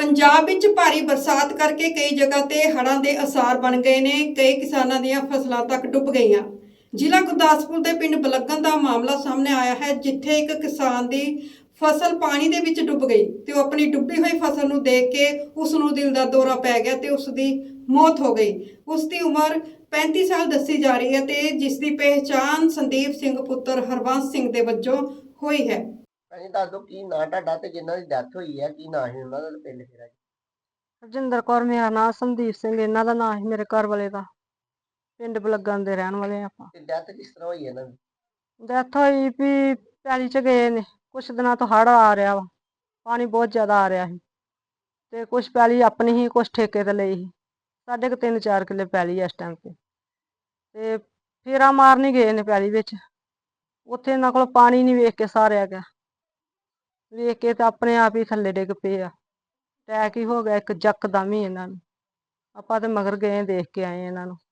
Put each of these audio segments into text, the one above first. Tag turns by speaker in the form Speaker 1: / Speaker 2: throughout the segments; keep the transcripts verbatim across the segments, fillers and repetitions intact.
Speaker 1: पंजाब विच भारी बरसात करके कई जगह ते हड़ां दे असार बन गए ने। कई किसानां दीयां फसलां तक डुब गईयां। जिला गुरदासपुर दे पिंड बलगन दा मामला सामने आया है, जिथे एक किसान दी फसल पानी दे विच डुब गई ते ओह अपनी डुब्बी हुई फसल नूं देख के उस नूं दिल दा दौरा पै गया ते उस दी मौत हो गई। उस दी उम्र पैंती साल दसी जा रही है ते जिस दी पहचान संदीप सिंह पुत्र हरबंस सिंह दे वजों हुई है।
Speaker 2: ਭਾਜੀ ਦੱਸ ਦਿਓ ਕੀ ਨਾਂ ਤੁਹਾਡਾ ਤੇ ਜਿਨ੍ਹਾਂ ਦੀ ਡੈਥ ਹੋਈ ਹੈ ਕੀ ਨਾਂ ਸੀ ਉਹਨਾਂ ਦਾ ਤੇ ਪਿੰਡ ਕਿਹੜਾ ਜੀ?
Speaker 3: ਹਰਜਿੰਦਰ ਕੌਰ ਮੇਰਾ ਨਾਂ, ਸੰਦੀਪ ਸਿੰਘ ਇਹਨਾਂ ਦਾ ਨਾਂ ਸੀ, ਮੇਰੇ ਘਰ ਵਾਲੇ ਦਾ। ਪਿੰਡ ਬਲੱਗਣ ਦੇ ਰਹਿਣ ਵਾਲੇ ਆਪਾਂ।
Speaker 2: ਤੇ ਡੈਥ ਕਿਸ ਤਰ੍ਹਾਂ ਹੋਈ ਇਹਨਾਂ ਦੀ?
Speaker 3: ਡੈਥ ਹੋਈ ਵੀ ਪੈਲੀ ਚ ਗਏ ਨੇ, ਕੁਛ ਦਿਨਾਂ ਤੋਂ ਹੜ੍ਹ ਆ ਰਿਹਾ ਵਾ, ਪਾਣੀ ਬਹੁਤ ਜ਼ਿਆਦਾ ਆ ਰਿਹਾ ਸੀ ਤੇ ਕੁਛ ਪੈਲੀ ਆਪਣੀ ਹੀ, ਕੁਛ ਠੇਕੇ ਤੇ ਲਈ ਸੀ। ਸਾਡੇ ਕੁ ਤਿੰਨ ਚਾਰ ਕਿੱਲੇ ਪੈਲੀ ਇਸ ਟਾਈਮ ਤੇ ਤੇ ਫੇਰਾ ਮਾਰਨ ਹੀ ਗਏ ਨੇ ਪੈਲੀ ਵਿੱਚ। ਉੱਥੇ ਇਹਨਾਂ ਕੋਲ ਪਾਣੀ ਨਹੀਂ ਵੇਖ ਕੇ ਸਾਰਿਆ ਗਿਆ, ਵੇਖ ਕੇ ਤਾਂ ਆਪਣੇ ਆਪ ਹੀ ਥੱਲੇ ਡਿੱਗ ਪਏ ਆ। ਅਟੈਕ ਹੀ ਹੋ ਗਿਆ ਇੱਕ ਯਕਦਮ ਹੀ ਇਹਨਾਂ ਨੂੰ। ਆਪਾਂ ਤੇ ਮਗਰ ਗਏ, ਦੇਖ ਕੇ ਆਏ ਇਹਨਾਂ ਨੂੰ।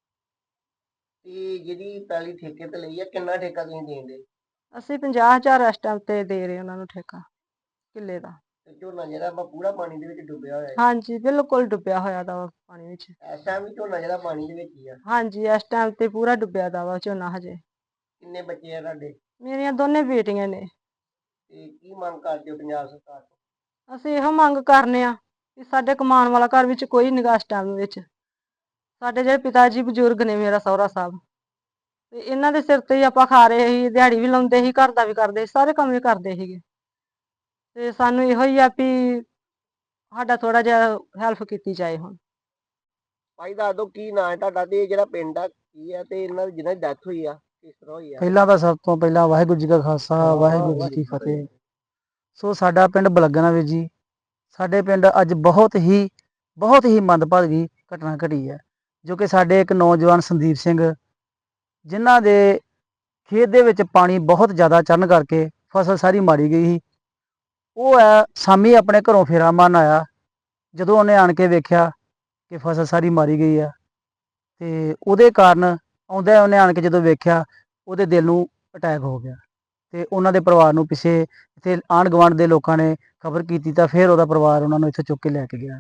Speaker 2: ਤੇ ਜਿਹੜੀ ਪੈਲੀ ਠੇਕੇ ਤੇ ਲਈ ਹੈ ਕਿੰਨਾ ਠੇਕਾ ਤੁਸੀਂ ਦੇਂਦੇ?
Speaker 3: ਅਸੀਂ ਪੰਜਾਹ ਹਜ਼ਾਰ ਇਸ ਟਾਈਮ ਤੇ ਦੇ ਰਹੇ ਉਹਨਾਂ ਨੂੰ ਠੇਕਾ ਕਿੱਲੇ ਦਾ।
Speaker 2: ਤੇ ਝੋਨਾ ਜਿਹੜਾ ਵਾ ਪੂਰਾ ਪਾਣੀ ਦੇ ਵਿੱਚ ਡੁੱਬਿਆ ਹੋਇਆ ਹੈ?
Speaker 3: ਹਾਂਜੀ, ਬਿਲਕੁਲ ਡੁੱਬਿਆ ਹੋਇਆ ਦਾ ਵਾ ਪਾਣੀ ਵਿੱਚ।
Speaker 2: ਇਸ ਟਾਈਮ ਵੀ ਝੋਨਾ ਜਿਹੜਾ ਪਾਣੀ ਦੇ ਵਿੱਚ ਹੀ ਆ?
Speaker 3: ਹਾਂਜੀ, ਇਸ ਟਾਈਮ ਤੇ ਪੂਰਾ ਡੁੱਬਿਆ ਦਾ ਵਾ ਝੋਨਾ ਹਜੇ।
Speaker 2: ਕਿੰਨੇ ਬੱਚੇ ਆ ਤੁਹਾਡੇ?
Speaker 3: ਮੇਰੀਆਂ ਦੋਨੇ ਬੇਟੀਆਂ ਨੇ।
Speaker 2: ਤੇ ਕੀ ਮੰਗ ਕਰਦੇ ਹੋ ਪੰਜਾਬ ਸਰਕਾਰ ਤੋਂ?
Speaker 3: ਅਸੀਂ ਇਹੋ ਮੰਗ ਕਰਨੇ ਆ ਕਿ ਸਾਡੇ ਕਮਾਉਣ ਵਾਲਾ ਘਰ ਵਿੱਚ ਕੋਈ ਨਿਗਾ ਇਸ ਟਾਈਮ ਵਿੱਚ। ਸਾਡੇ ਜਿਹੜੇ ਪਿਤਾ ਜੀ ਬਜ਼ੁਰਗ ਨੇ, ਮੇਰਾ ਸਹੁਰਾ ਸਾਹਿਬ, ਤੇ ਇਹਨਾਂ ਦੇ ਸਿਰ ਤੇ ਹੀ ਆਪਾਂ ਖਾ ਰਹੇ ਸੀ, ਦਿਹਾੜੀ ਵੀ ਲਾਉਂਦੇ ਸੀ, ਘਰ ਦਾ ਵੀ ਕਰਦੇ ਸੀ, ਸਾਰੇ ਕੰਮ ਵੀ ਕਰਦੇ ਸੀਗੇ। ਤੇ ਸਾਨੂੰ ਇਹੋ ਹੀ ਆ ਵੀ ਸਾਡਾ ਥੋੜਾ ਜਿਹਾ ਹੈਲਪ ਕੀਤੀ ਜਾਏ ਹੁਣ।
Speaker 2: ਭਾਈ ਦੱਸ ਦਿਓ ਕੀ ਨਾਂ ਹੈ ਤੁਹਾਡਾ ਤੇ ਇਹ ਜਿਹੜਾ ਪਿੰਡ ਆ ਕੀ ਆ ਤੇ ਇਹਨਾਂ ਦੀ ਜਿਹਨਾਂ ਦੀ ਡੈਥ ਹੋਈ ਆ ਕਿਸ ਤਰ੍ਹਾਂ ਹੋਈ ਆ?
Speaker 4: ਪਹਿਲਾਂ ਤਾਂ ਸਭ ਤੋਂ ਪਹਿਲਾਂ ਵਾਹਿਗੁਰੂ ਜੀ ਕਾ ਖਾਲਸਾ ਵਾਹਿਗੁਰੂ ਜੀ ਕੀ ਫਤਿਹ। ਸੋ ਸਾਡਾ ਪਿੰਡ ਬਲੱਗਣਾ ਵੀਰ ਜੀ, ਸਾਡੇ ਪਿੰਡ ਅੱਜ ਬਹੁਤ ਹੀ ਬਹੁਤ ਹੀ ਮੰਦਭਾਗੀ ਘਟਨਾ ਘਟੀ ਹੈ, ਜੋ ਕਿ ਸਾਡੇ ਇੱਕ ਨੌਜਵਾਨ ਸੰਦੀਪ ਸਿੰਘ, ਜਿਨ੍ਹਾਂ ਦੇ ਖੇਤ ਦੇ ਵਿੱਚ ਪਾਣੀ ਬਹੁਤ ਜ਼ਿਆਦਾ ਚੜ੍ਹਨ ਕਰਕੇ ਫਸਲ ਸਾਰੀ ਮਾਰੀ ਗਈ ਸੀ। ਉਹ ਹੈ ਸ਼ਾਮੀ ਆਪਣੇ ਘਰੋਂ ਫੇਰਾ ਮਾਰਨ ਆਇਆ, ਜਦੋਂ ਉਹਨੇ ਆਣ ਕੇ ਵੇਖਿਆ ਕਿ ਫਸਲ ਸਾਰੀ ਮਾਰੀ ਗਈ ਆ, ਤੇ ਉਹਦੇ ਕਾਰਨ ਆਉਂਦਾ ਉਹਨੇ ਆਣ ਕੇ ਜਦੋਂ ਵੇਖਿਆ ਉਹਦੇ ਦਿਲ ਨੂੰ ਅਟੈਕ ਹੋ ਗਿਆ। ਤੇ ਉਹਨਾਂ ਦੇ ਪਰਿਵਾਰ ਨੂੰ ਪਿੱਛੇ ਇੱਥੇ ਆਂਢ ਗੁਆਂਢ ਦੇ ਲੋਕਾਂ ਨੇ ਖਬਰ ਕੀਤੀ ਤਾਂ ਫਿਰ ਉਹਦਾ ਪਰਿਵਾਰ ਉਹਨਾਂ ਨੂੰ ਇੱਥੇ ਚੁੱਕ ਕੇ ਲੈ ਕੇ ਗਿਆ।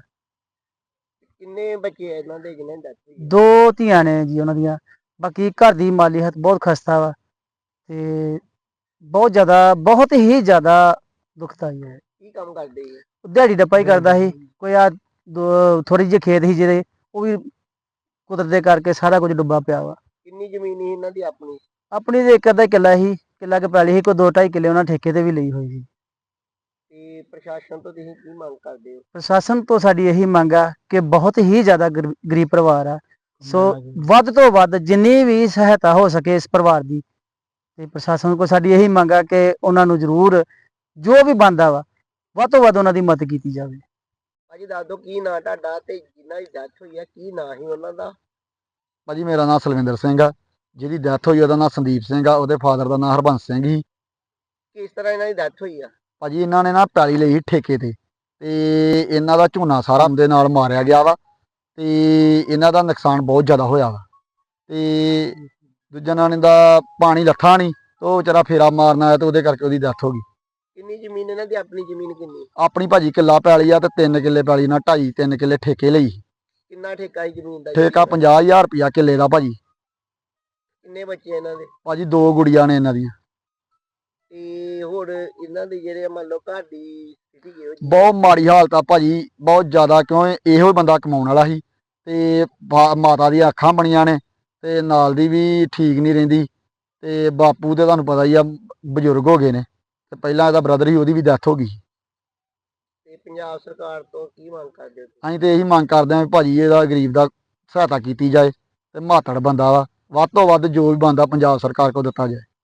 Speaker 2: ਕਿੰਨੇ ਬੱਚੇ ਆ ਇਹਨਾਂ ਦੇ ਜਿਹਨਾਂ ਦੀ ਡੈਥ ਹੋਈ ਆ?
Speaker 4: ਦੋ ਧੀਆਂ ਨੇ ਜੀ ਉਹਨਾਂ ਦੀਆਂ। ਬਾਕੀ ਘਰ ਦੀ ਮਾਲੀ ਹਾਲਤ ਬਹੁਤ ਖਸਤਾ ਵਾ ਤੇ ਬਹੁਤ ਜ਼ਿਆਦਾ ਬਹੁਤ ਹੀ ਜ਼ਿਆਦਾ ਦੁਖਦਾਈ ਹੈ।
Speaker 2: ਕੀ ਕੰਮ ਕਰਦੇ ਜੀ?
Speaker 4: ਦਿਹਾੜੀ ਡੱਪਾ ਹੀ ਕਰਦਾ ਸੀ। ਕੋਈ ਆ ਥੋੜੀ ਜਿਹੀ ਖੇਤ ਸੀ ਜਿਹੜੇ, ਉਹ ਵੀ ਕੁਦਰਤ ਦੇ ਕਰਕੇ ਸਾਰਾ ਕੁਝ ਡੁੱਬਾ ਪਿਆ ਵਾ।
Speaker 2: ਕਿੰਨੀ ਜ਼ਮੀਨ ਸੀ ਇਹਨਾਂ ਦੀ ਆਪਣੀ?
Speaker 4: ਆਪਣੀ ਤੇ ਇੱਕ ਅੱਧਾ ਕਿੱਲਾ ਸੀ, ਕਿੱਲਾ ਕੁ ਪੈਲੀ ਸੀ, ਕੋਈ ਦੋ ਢਾਈ ਕਿੱਲੇ ਉਹਨਾਂ ਠੇਕੇ ਤੇ ਵੀ ਲਈ ਹੋਈ ਸੀ।
Speaker 2: ਤੇ ਪ੍ਰਸ਼ਾਸਨ ਤੋਂ ਤੁਸੀਂ ਕੀ ਮੰਗ ਕਰਦੇ ਹੋ?
Speaker 4: ਪ੍ਰਸ਼ਾਸਨ ਤੋਂ ਸਾਡੀ ਇਹੀ ਮੰਗ ਆ ਕਿ ਬਹੁਤ ਹੀ ਜ਼ਿਆਦਾ ਗਰ- ਗਰੀਬ ਪਰਿਵਾਰ ਆ, ਸੋ ਵੱਧ ਤੋਂ ਵੱਧ ਜਿੰਨੀ ਵੀ ਸਹਾਇਤਾ ਹੋ ਸਕੇ ਇਸ ਪਰਿਵਾਰ ਦੀ, ਤੇ ਪ੍ਰਸ਼ਾਸਨ ਕੋਲ ਸਾਡੀ ਇਹੀ ਮੰਗ ਆ ਕਿ ਉਹਨਾਂ ਨੂੰ ਜ਼ਰੂਰ ਜੋ ਵੀ ਬਣਦਾ ਵਾ ਵੱਧ ਤੋਂ ਵੱਧ ਉਹਨਾਂ ਦੀ ਮਦਦ ਕੀਤੀ ਜਾਵੇ।
Speaker 2: ਭਾਜੀ ਦੱਸ ਦਿਓ ਕੀ ਨਾਂ ਤੁਹਾਡਾ ਤੇ ਜਿਨ੍ਹਾਂ ਦੀ ਡੈਥ ਹੋਈ ਆ ਕੀ ਨਾਂ ਸੀ ਉਹਨਾਂ ਦਾ?
Speaker 5: ਭਾਜੀ ਮੇਰਾ ਨਾਮ ਸਲਵਿੰਦਰ ਸਿੰਘ ਆ, ਜਿਹਦੀ ਡੈਥ ਹੋਈ ਉਹਦਾ ਨਾਮ ਸੰਦੀਪ ਸਿੰਘ ਆ, ਉਹਦੇ ਫਾਦਰ ਦਾ ਨਾਮ ਹਰਬੰਸ ਸਿੰਘ ਸੀ।
Speaker 2: ਕਿਸ ਤਰ੍ਹਾਂ ਇਹਨਾਂ ਦੀ ਡੈਥ ਹੋਈ ਆ?
Speaker 5: ਭਾਜੀ ਇਹਨਾਂ ਨੇ ਨਾ ਪੈਲੀ ਲਈ ਸੀ ਠੇਕੇ ਤੇ, ਤੇ ਇਹਨਾਂ ਦਾ ਝੋਨਾ ਸਾਰਾ ਦੇ ਨਾਲ ਮਾਰਿਆ ਗਿਆ ਵਾ, ਤੇ ਇਹਨਾਂ ਦਾ ਨੁਕਸਾਨ ਬਹੁਤ ਜ਼ਿਆਦਾ ਹੋਇਆ ਵਾ। ਤੇ ਦੂਜਾ ਨਾਂ ਦਾ ਪਾਣੀ ਲੱਥਾ ਨਹੀਂ, ਤੇ ਉਹ ਵਿਚਾਰਾ ਫੇਰਾ ਮਾਰਨ ਆਇਆ ਤੇ ਉਹਦੇ ਕਰਕੇ ਉਹਦੀ ਡੈਥ ਹੋ ਗਈ।
Speaker 2: ਕਿੰਨੀ ਜ਼ਮੀਨ ਇਹਨਾਂ ਦੀ? ਆਪਣੀ ਜ਼ਮੀਨ ਕਿੰਨੀ?
Speaker 5: ਆਪਣੀ ਭਾਜੀ ਕਿੱਲਾ ਪੈਲੀ ਆ ਤੇ ਤਿੰਨ ਕਿੱਲੇ ਪੈਲੀ ਨਾਲ ਢਾਈ ਤਿੰਨ ਕਿੱਲੇ ਠੇਕੇ ਲਈ।
Speaker 2: ਕਿੰਨਾ ਠੇਕਾ ਹੈ ਜ਼ਮੀਨ ਦਾ?
Speaker 5: ਠੇਕਾ ਪੰਜਾਹ ਹਜ਼ਾਰ ਰੁਪਇਆ ਕਿੱਲੇ ਦਾ ਭਾਜੀ।
Speaker 2: ਕਿੰਨੇ ਬੱਚੇ ਇਹਨਾਂ ਦੇ?
Speaker 5: ਭਾਜੀ ਦੋ ਗੁੜੀਆਂ ਨੇ ਇਹਨਾਂ ਦੀਆਂ।
Speaker 2: ਤੇ ਹੋਰ ਇਹਨਾਂ ਦੇ ਜਿਹੜੇ ਮੰਨ ਲਓ ਘਰ ਦੀ ਸਥਿਤੀ ਕਿਹੋ ਜਿਹੀ?
Speaker 5: ਬਹੁਤ ਮਾੜੀ ਹਾਲਤ ਆ ਭਾਜੀ, ਬਹੁਤ ਜ਼ਿਆਦਾ, ਕਿਉਂ ਇਹੋ ਹੀ ਬੰਦਾ ਕਮਾਉਣ ਵਾਲਾ ਸੀ ਤੇ ਬਾ- ਮਾਤਾ ਦੀਆਂ ਅੱਖਾਂ ਬਣੀਆਂ ਨੇ ਤੇ ਨਾਲ ਦੀ ਵੀ ਠੀਕ ਨਹੀਂ ਰਹਿੰਦੀ, ਤੇ ਬਾਪੂ ਤੇ ਤੁਹਾਨੂੰ ਪਤਾ ਹੀ ਆ ਬਜ਼ੁਰਗ ਹੋ ਗਏ ਨੇ, ਤੇ ਪਹਿਲਾਂ ਇਹਦਾ ਬ੍ਰਦਰ ਸੀ, ਉਹਦੀ ਵੀ ਡੈਥ ਹੋ ਗਈ।
Speaker 2: ਤੇ ਪੰਜਾਬ ਸਰਕਾਰ ਤੋਂ ਕੀ ਮੰਗ ਕਰਦੇ ਹੋ?
Speaker 5: ਅਸੀਂ ਤੇ ਇਹੀ ਮੰਗ ਕਰਦੇ ਹਾਂ ਵੀ ਭਾਜੀ ਇਹਦਾ ਗਰੀਬ ਦਾ ਸਹਾਇਤਾ ਕੀਤੀ ਜਾਏ, ਤੇ ਮਾਤੜ ਬੰਦਾ ਵਾ, ਵੱਧ ਤੋਂ ਵੱਧ ਜੋ ਵੀ ਬੰਦਾ ਪੰਜਾਬ ਸਰਕਾਰ ਕੋਲ ਦਿੱਤਾ ਜਾਏ।